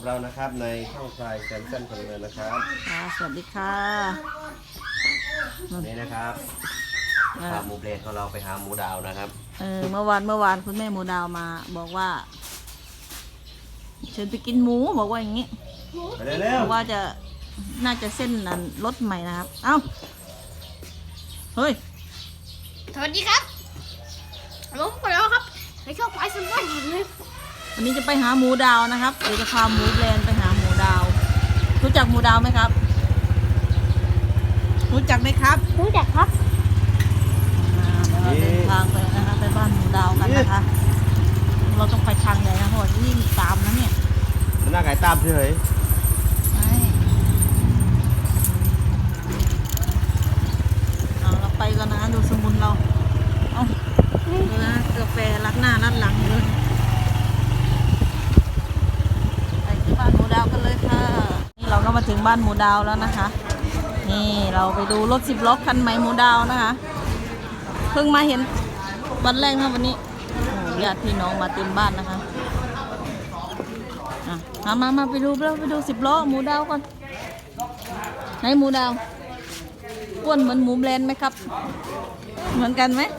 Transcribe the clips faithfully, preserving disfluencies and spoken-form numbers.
เรานะครับในช่องไฟแซมสันคนเลยนะครับค่ะสวัสดีค่ะนี่นะครับพาหมูเบรดของเราไปหาหมูดาวนะครับเออเมื่อวานเมื่อวานคุณแม่หมูดาวมาบอกว่าเชิญไปกินหมูบอกว่าอย่างนี้ไปเร็วบอกว่าจะน่าจะเส้นนั้นรถใหม่นะครับเอ้าเฮ้ยสวัสดีครับลงไปแล้วครับในช่องไฟสมบัติเลยวันนี้จะไปหาหมูดาวนะครับเดี๋ยวจะพาหมูแบรนด์ไปหาหมูดาว รู้จักหมูดาวไหมครับรู้จักไหมครับรู้จักครับเราเดินทางไปนะคะไปบ้านหมูดาวกันนะคะเราต้องไปทางไหนนะเพราะว่ายิ่งตามนะเนี่ยมันน่าไก่ตามเฉยเอาเราไปกันนะดูสมุนเราเอาดูนะกาแฟรัดหน้ารัดหลังเลยไปที่บ้านหมูดาวกันเลยค่ะนี่เราก็มาถึงบ้านหมูดาวแล้วนะคะนี่เราไปดูรถสิบล้อคันใหม่หมูดาวนะคะเพิ่งมาเห็นวันแรกนะวันนี้ญาติพี่น้องมาเต็มบ้านนะคะอ่ะมามาไปดูไปดูสิบล้อหมูดาวก่อนไหนหมูดาวอ้วนเหมือนหมูแบรนด์ไหมครับเหมือนกันไหม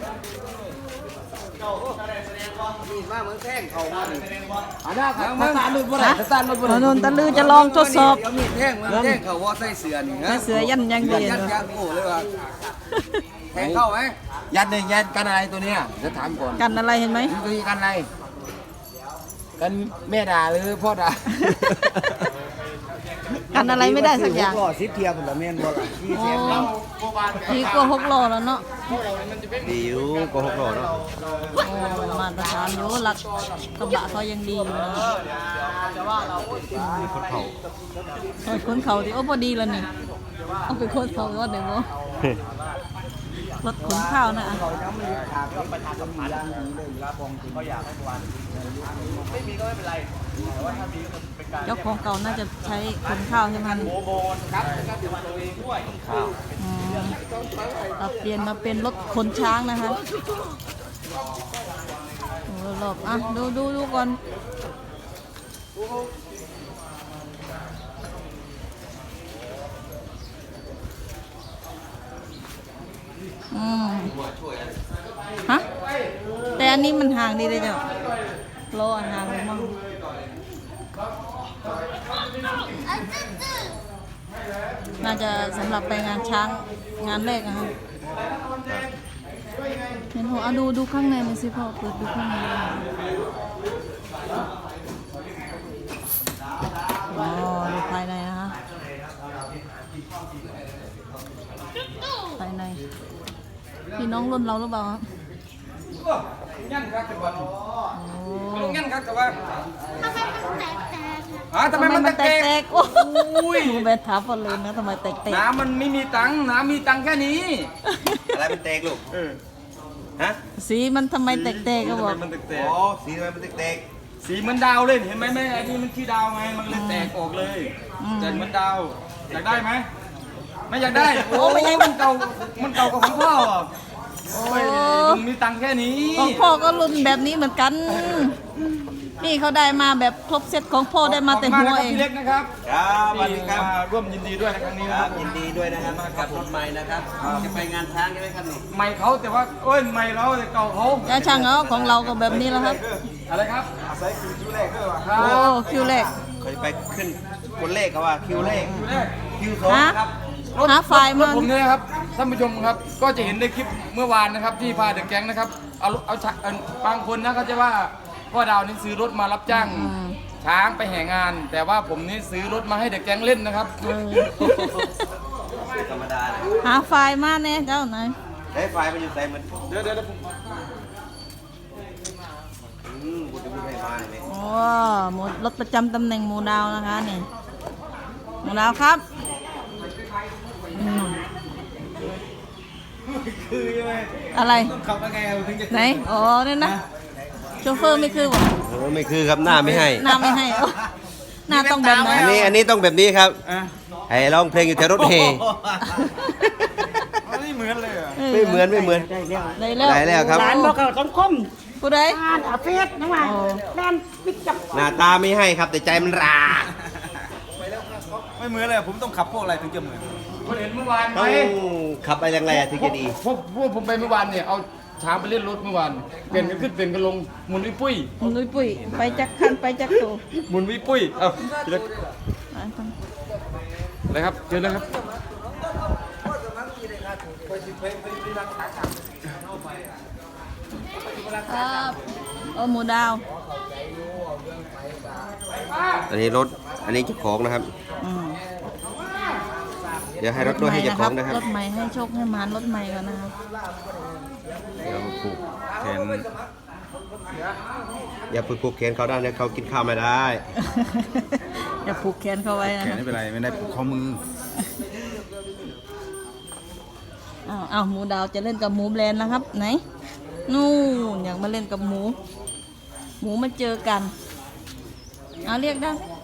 มาเหมือนแท่งเขามาอันนั้นครับตาลุยบ่ได้ตาลุยบ่ได้นนตะลือจะลองทดสอบเอามีดแท่งเหมือนแท่งเขาว่าใส่เสือนี่ฮะเสือยันยังดียันยันโอ้เลยว่ะแทงเข้าไหมยันหนึ่งยันกันอะไรตัวเนี้ยจะถามก่อนกันอะไรเห็นไหมตัวนี้กันอะไรกันแม่ด่าหรือพ่อด่ากันอะไรไม่ได้สักอย่างหล่อซิปเทียบผมแม่นบ่ล่ะที่เทียบเราดีกว่าหกโลแล้วเนาะดิวก็หกโลเนาะมาตรฐานอยู่หลักกระบะเขายังดีอยู่นะคนเขาโอ้ยคนเขาดิโอ้พอดีแล้วนี่เอาไปคนเขาก็เดี๋ยวรถขนข้าวนะเจ้าของเก่าน่าจะใช้ขนข้าวใช่ไหมเราเปลี่ยนมาเป็นรถขนช้างนะคะโอ้หลบอ่ะดูดูดูก่อนอืมฮะแต่อันนี้มันห่างดีเลยเจ้าโลอันห่างเลยมั้งน่าจะสำหรับไปงานช้างงานแรกนะคะเห็นหัวเอาดูดูข้างในมันสิพ่อเปิดดูข้างในอ๋อดูภายในนะคะภายในพี่น้องรุ่นเราหรือเปล่าครับงั้นครับแต่ว่าโอ้งั้นครับแต่ว่าทำไมมันแตกแตกอ่าทำไมมันแตกๆโอ้ยดูแบนถามพอเลยนะทำไมแตกๆน้ำมันไม่มีตังค์น้ำมีตังค์แค่นี้อะไรมันแตกลูกเออฮะสีมันทำไมแตกๆก็บอกมันแตกอ๋อสีทำไมมันแตกสีเหมือนดาวเลยเห็นไหมแม่ไอ้นี่มันขี้ดาวไงมันเลยแตกออกเลยแต่เหมือนดาวอยากได้ไหมไม่อยากได้โอ้ยมันเก่ามันเก่ากว่าของพ่อโอ้ยลุงมีตังค์แค่นี้ของพ่อก็รุ่นแบบนี้เหมือนกันนี่เขาได้มาแบบครบเซตของพ่อได้มาแต่หัวเองพี่เล็กนะครับครับสวัสดีครับร่วมยินดีด้วยในครั้งนี้นะครับยินดีด้วยนะครับกับรถใหม่นะครับจะไปงานช้างใช่ไหมครับนี่ใหม่เขาแต่ว่าโอ้ยใหม่เราแต่เก่าเขาจะช่างเอาของเราก็แบบนี้แล้วครับอะไรครับใส่คิวแรกด้วยวะโอ้คิวแรกเคยไปขึ้นคนเลขเขาว่าคิวเลขคิวแรกคิวสองครับหาไฟมาผมเนี่ยครับท่านผู้ชมครับก็จะเห็นในคลิปเมื่อวานนะครับที่พาเดอะแก๊งนะครับเอาเอาบางคนนะเขาจะว่าพ่อดาวนี่ซื้อรถมารับจ้างช้างไปแห่งานแต่ว่าผมนี่ซื้อรถมาให้เด็กแก๊งเล่นนะครับธรรมดาหาไฟมาแน่เจ้าไหนได้ไฟมันอยู่ใส่มันเดี๋ยวเดี๋ยวผมอืมกูจะพูดให้มาเลยโอ้หมดรถประจำตำแหน่งหมูดาวนะคะนี่หมูดาวครับคือยังไงอะไรขับยังไงถึงจะไหนอ๋อเนี่ยนะโชเฟอร์ไม่คือวะโอ้ไม่คือครับหน้าไม่ให้หน้าไม่ให้หน้าต้องแบบไหนอันนี้อันนี้ต้องแบบนี้ครับให้ร้องเพลงอยู่แถวรถเฮไม่เหมือนเลยอ่ะไม่เหมือนไม่เหมือนได้แล้วได้แล้วครับร้านบอกเขาต้องคมผู้ใดอ่านอาเฟสนะว่าโอ้แล่นปิดจับหน้าตาไม่ให้ครับแต่ใจมันราไม่เหมือนเลยผมต้องขับพวกอะไรถึงจะเหมือนคุณเห็นเมื่อวานไหมต้องขับอะไรแรงๆถึงจะดีพวกพวกผมไปเมื่อวานเนี่ยเอาช้างไปเล่นรถเมื่อวานเปลี่ยนกันขึ้นเปลี่ยนกันลงหมุนวิปุ้ยคุณนุ้ยปุ้ยไปจักคันไปจักตูหมุนวิปุ้ยเอาอ่ะต้องอะไรครับเจอแล้วครับครับโอ้หมูดาวอันนี้รถอันนี้เจ้าของนะครับอืมเดี๋ยวให้รถด้วยให้เจ้าของนะครับรถใหม่ให้โชคให้มานรถใหม่ก่อนนะครับเดี๋ยวผูกแขนอย่าไปผูกแขนเขาได้นะเขากินข้าวไม่ได้อย่าผูกแขนเข้าไว้นะแขคน รับไม่เป็นไรไม่ได้ผูกข้อมืออ้าวอ้าวหมูดาวจะเล่นกับหมูแบรนด์แล้วครับ ไหน นู่นอยากมาเล่นกับหมู หมูมาเจอกัน เอาเรียกได้ไหม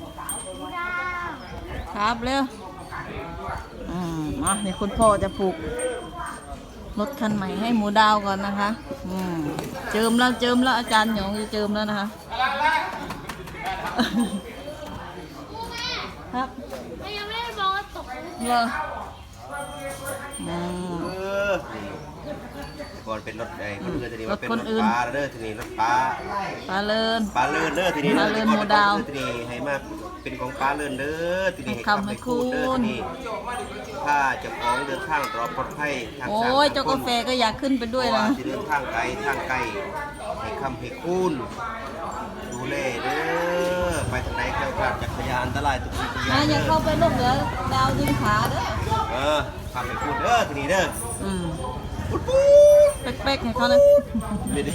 ครับเร็วอืมอ่ะนี่คุณพ่อจะผูกรถคันใหม่ให้หมูดาวก่อนนะคะอืมเจิมแล้วเจิมแล้วอาจารย์หยองจะเจิมแล้วนะคะ ครับยังไม่ได้บอกว่าตกเหรออืมเออก่อนเป็นรถไอ้คนอื่นทีนี้มาเป็นรถรคถนอื่นปลาเด้อทีนี้รถปลาปลาเลินปลาเลื่อนเด้อทีนี้ปลาเลื่อนหมู่ดาวทีนี้ให้มาเป็นของปลาเลื่อนเด้อทีนี้ให้คำให้คุณเด้อทีนี้ถ้าเจะของเดินทางปลอดปลอดภัยทางโอ้ยเจ้ากาแฟก็อยากขึ้นไปด้วยเพราะนะว่าที่เดินทางไกลทางไกลให้คำให้คุณดูแลเด้อไปทางไหนแคล้วคลาดจากพยานอันตรายทุกสิ่งทุกอย่านะงอย่าเด้เข้าอไปลูกเหลือดาวดึงขาเด้อเออคำให้คุณเด้อทีนี้เด้ออืมเป๊กๆให้เขานะเดี๋ยวดิ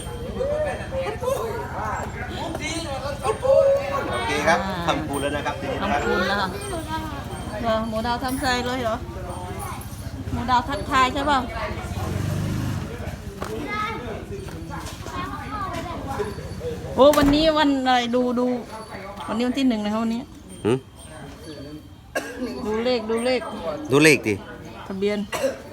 โอเคครับทำปูนแล้วนะครับทีนี้นะครับทำคุณแล้วค่ะเหรอหมูดาวทำใจเลยเหรอหมูดาวทักทายใช่เปล่าโอ้วันนี้วันอะไรดูดูวันนี้วันที่หนึ่งนะครับวันนี้หืมดูเลขดูเลขดูเลขดิทะเบียน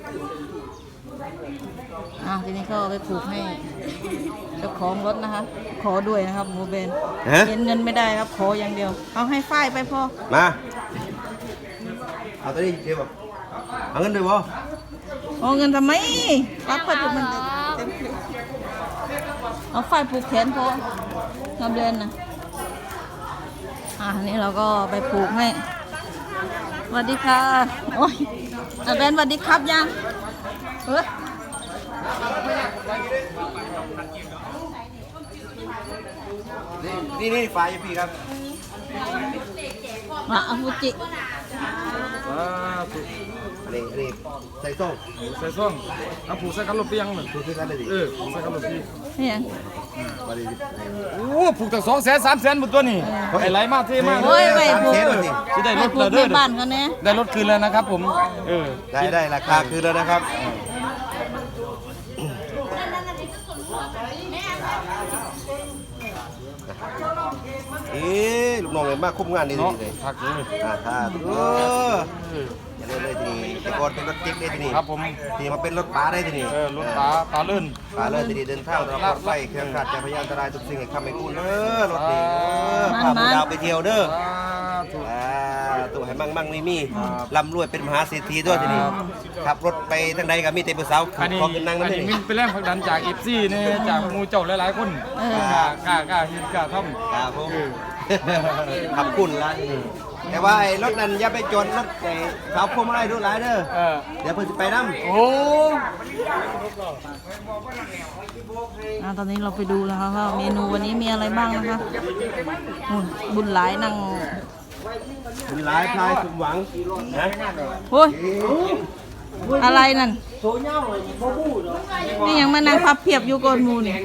อ่ะทีนี้ก็เอาไปผูกให้เจ้าของรถนะคะ ขอด้วยนะครับหมูเบนฮะเห็นเงินไม่ได้ครับ ขออย่างเดียว เอาให้ฝ้ายไปพอมาเอาตัวนี้เดี๋ยวแบบเอาเงินด้วยบ่เอาเงินทำไมรับไปมันเต็มที่เอาฝ้ายผูกแขนพอทำเบนนะอ่ะอันนี้เราก็ไปผูกให้สวัสดีค่ะโอ้ยอาเบนสวัสดีครับยังเฮ้ยนี่นี่ไฟอยู่พี่ครับมาเอาฟูจิว้าวผูกอันนี้อันนี้ใส่ส้มใส่ส้มเอาผูกใส่กันลมเปียงเลยดูที่นั่นเลยดิเออผูกใส่กันลมเปียงนี่ยังวันนี้โอ้ผูกตั้งสองแสนสามแสนหมดตัวนี่ไอ้ไหลมากเท่มากโอ้ยไปสามผูกแสนเลยดิจะได้ไปรถผูเลกยในเด้อบ้านเขาแน่ได้รถคืนแล้วนะครับผมเออได้ได้ราคาคืนแล้วนะครับเอ๊ะลูกน้องเลยมากคุ้มงานดีเนาะเลยพักเลยอ่าค่ะเอออย่าเล่นเลยทีนี้แต่ก่อนเป็นรถจิ๊กได้ทีนี้ครับผมทีนี้มาเป็นรถป๋าได้ทีนี้เออรถปลาปลาเลื่อนป๋าเลยทีนี้เดินทางเราปลอดภัยเครื่องขาดจากพยานอันตรายทุกสิ่งให้คำให้คุณเด้อรถนี้เออพาหมูดาวไปเที่ยวเด้อถูกอ่าตัวให้มั่งมั่งมีมีร่ำรวยเป็นมหาเศรษฐีด้วยทีนี้ขับรถไปทางใดก็มีแต่ผู้สาวอันนี้ขอขึ้นนั่งอันั่นนนี้นี่มินเป็นแรงผลักดันจากเอฟซีเนี่ยจากหมูเจ้าหลายๆคนกล้ากล้ากล้าเห็นกล้าทำครับผมขับคุณละแต่ว่าไอ้รถนั้นอย่าไปจนรถไอ้สาวพวงมาลัยดูหลายเด้อเออเดี๋ยวเพิ่นจะไปน้ำโอ้อ่ะตอนนี้เราไปดูนะคะว่าเมนูวันนี้มีอะไรบ้างนะคะอืมบุญหลายนั่งมีหลายพลายสมหวังนะโอ้ยอะไรนั่นนี่ยังมานั่งพับเพียบอยู่โกนหมูนี่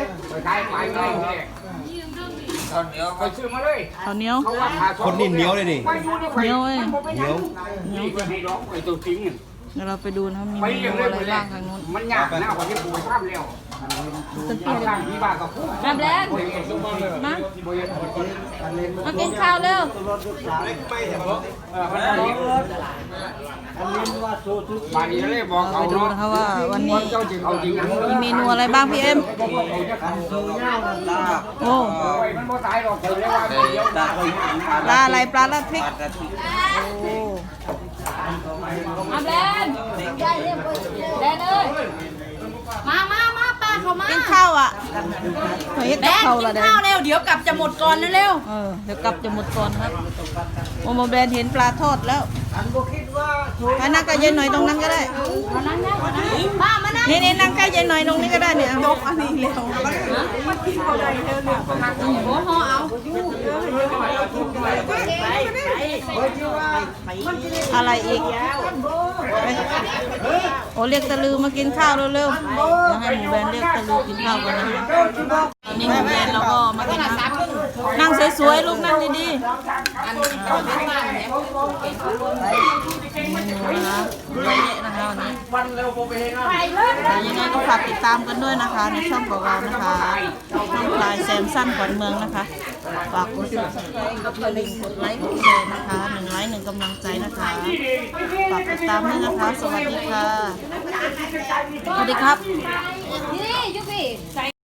ข้าวเหนียวคนนี่เหนียวเลยนี่เหนียวเอ้ยเหนียวเหนียวจังเดี๋ยวเราไปดูนะมีเมนูอะไรบ้างทางนู้นมันยากนะกว่าที่ปูข้ามเร็วตึกเปียเลยมาแบรนด์มามากินข้าวเร็วบานนี้เลยบอกเราเขาไปดูเนาะนะคะว่าวันนี้เจ้าจริงเอาจริงมีเมนูอะไรบ้างพี่เอ็มโอ้มันบ่ตายหรอกผมเรียกว่าเดียวปลาอะไรปลาละพริกโอ้อาแบรนด์แบรนด์เอ้ยมามามาป้าเขามากินข้าวอ่ะเฮ็ดแบกับนข้าวกิละนเด้ข้าวเร็วเดี๋ยวกลับจะหมดก่อนนะเร็วเออเดี๋ยวกลับจะหมดก่อนครับโอ้โมแบรนด์เห็นปลาทอดแล้วอันนั่งใกล้ยายหน่อยตรงนั้นก็ได้มานั่งนะป้ามานั่งนี่นี่นั่งใกล้ยายหน่อยตรงนี้ก็ได้เนี่ยยกอันนี้เร็วโอ้โหเอาอะไรอีกโอ้เรียกตะลือมากินข้าวเร็วๆเดี๋ยวให้หมูแบรนด์เรียกตะลือกินข้าวกันนะตอนนี้หมูแบรนด์เราก็มากินข้าวนั่งสวยๆลูกนั่งดีๆนะคะเยอะแยะนะคะวันนี้ยังไงก็ฝากติดตามกันด้วยนะคะ ในช่องของเรานะคะช่องพลายแซมสั้นขวัญเมืองนะคะฝากกดติดตามกดลิงก์กดไลค์กดแชร์นะคะหนึ่งไลค์หนึ่งกำลังใจนะคะฝากติดตามด้วยนะคะ สวัสดีค่ะสวัสดีครับนี่ยุพี่